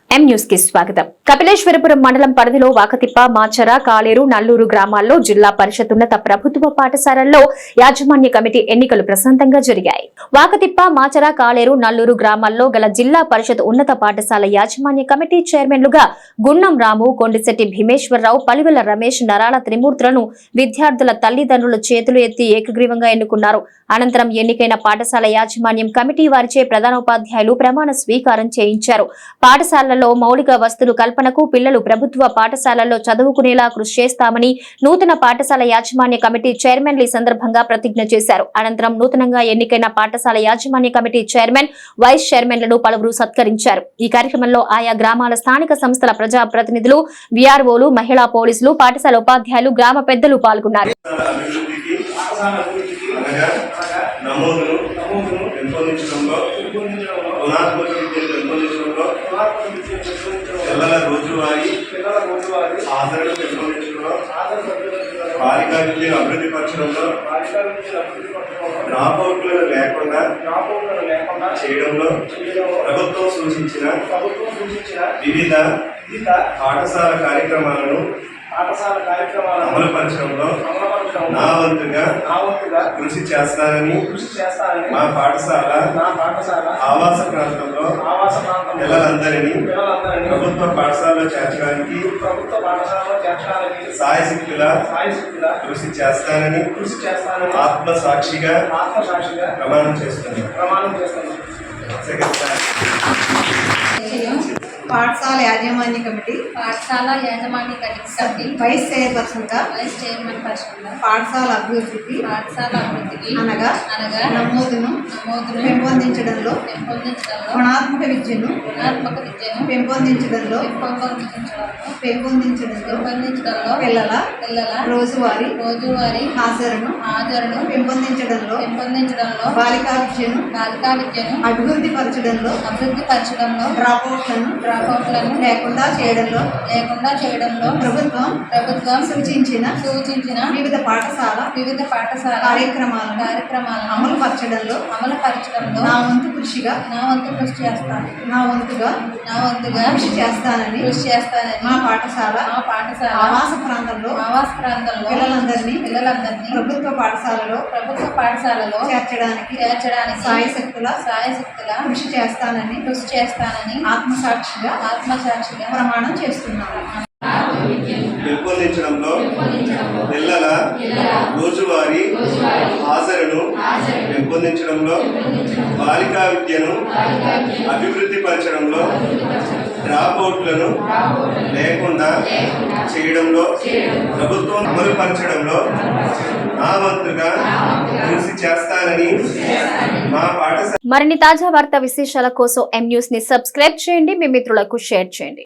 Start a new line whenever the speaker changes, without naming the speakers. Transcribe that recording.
M news కి స్వాగతం. కపిలేశ్వరపురం మండలం పరిధిలో వాకతిప్ప, మాచర, కాలేరు, నల్లూరు గ్రామాల్లో జిల్లా పరిషత్ ఉన్నత ప్రభుత్వ పాఠశాలల్లో యాజమాన్య కమిటీ ఎన్నికలు ప్రశాంతంగా జరిగాయి. వాకతిప్ప, మాచర, కాలేరు, నల్లూరు గ్రామాల్లో గల జిల్లా పరిషత్ ఉన్నత పాఠశాల యాజమాన్య కమిటీ చైర్మన్లుగా గున్నం రాము, కొండిశెట్టి భీమేశ్వరరావు, పలివెల రమేష్, నరాల త్రిమూర్తులను విద్యార్థుల తల్లిదండ్రుల చేతులు ఎత్తి ఏకగ్రీవంగా ఎన్నుకున్నారు. అనంతరం ఎన్నికైన పాఠశాల యాజమాన్యం కమిటీ వారిచే ప్రధానోపాధ్యాయులు ప్రమాణ స్వీకారం చేయించారు. పాఠశాలలో మౌలిక వస్తువుల కల్పనకు, పిల్లలు ప్రభుత్వ పాఠశాలల్లో చదువుకునేలా కృషి చేస్తామని నూతన పాఠశాల యాజమాన్య కమిటీ చైర్మన్లు ఈ సందర్భంగా ప్రతిజ్ఞ చేశారు. అనంతరం నూతనంగా ఎన్నికైన పాఠశాల యాజమాన్య కమిటీ చైర్మన్, వైస్ చైర్మన్లను పలువురు సత్కరించారు. ఈ కార్యక్రమంలో ఆయా గ్రామాల స్థానిక సంస్థల ప్రజా ప్రతినిధులు, విఆర్ఓలు, మహిళా పోలీసులు, పాఠశాల ఉపాధ్యాయులు, గ్రామ పెద్దలు పాల్గొన్నారు.
నమోదును పెంపొందించడంలో, గుణాత్మక విద్యను పెంపొందించడంలో, పిల్లల రోజువారీ ఆదరణ పెంపొందించడంలో, బాలికా విద్యను అభివృద్ధి పరచడంలో, డ్రాపౌట్లను లేకుండా చేయడంలో ప్రభుత్వం సూచించిన వివిధ పాఠశాల కార్యక్రమాలను అమలుపరచడంలో నా వంతుగా కృషి చేస్తానని మా పాఠశాల ఆవాస ప్రాంతంలో పిల్లలందరినీ ప్రభుత్వ పాఠశాలలో చేర్చడానికి సాయశక్తుల కృషి చేస్తానని ఆత్మసాక్షిగా ప్రమాణం చేస్తున్నాను.
పాఠశాల యాజమాన్య కమిటీ వైస్ చైర్పర్సన్ గా పాఠశాల అభివృద్ధికి అనగా నమోదును పెంపొందించడంలో, గుణాత్మక విద్యను పెంపొందించడంలో పిల్లల రోజువారీ హాజరును పెంపొందించడంలో, బాలికా విద్యను అభివృద్ధి పరచడంలో, డ్రాపౌట్లను లేకుండా చేయడంలో ప్రభుత్వం సూచించిన వివిధ పాఠశాల కార్యక్రమాలను అమలుపరచడంలో నా వంతు కృషి చేస్తానని మా పాఠశాల ఆవాస ప్రాంతంలో పిల్లలందరినీ ప్రభుత్వ పాఠశాలలో చేర్చడానికి సాయశక్తుల కృషి చేస్తానని ఆత్మసాక్షిగా ప్రమాణం చేస్తున్నాను.
పెంపొందించడంలో, పిల్లల రోజువారీ హాజరును పెంపొందించడంలో, బాలికా విద్యను అభివృద్ధి పరచడంలో, డ్రాపౌట్లను లేకుండా చేయడంలో, ప్రభుత్వం అమలుపరచడంలో నా వంతుగా కృషి చేస్తానని మా పాఠశాల.
మరిన్ని తాజా వార్తా విశేషాల కోసం ఎం న్యూస్ ని సబ్స్క్రైబ్ చేయండి. మీ మిత్రులకు షేర్ చేయండి.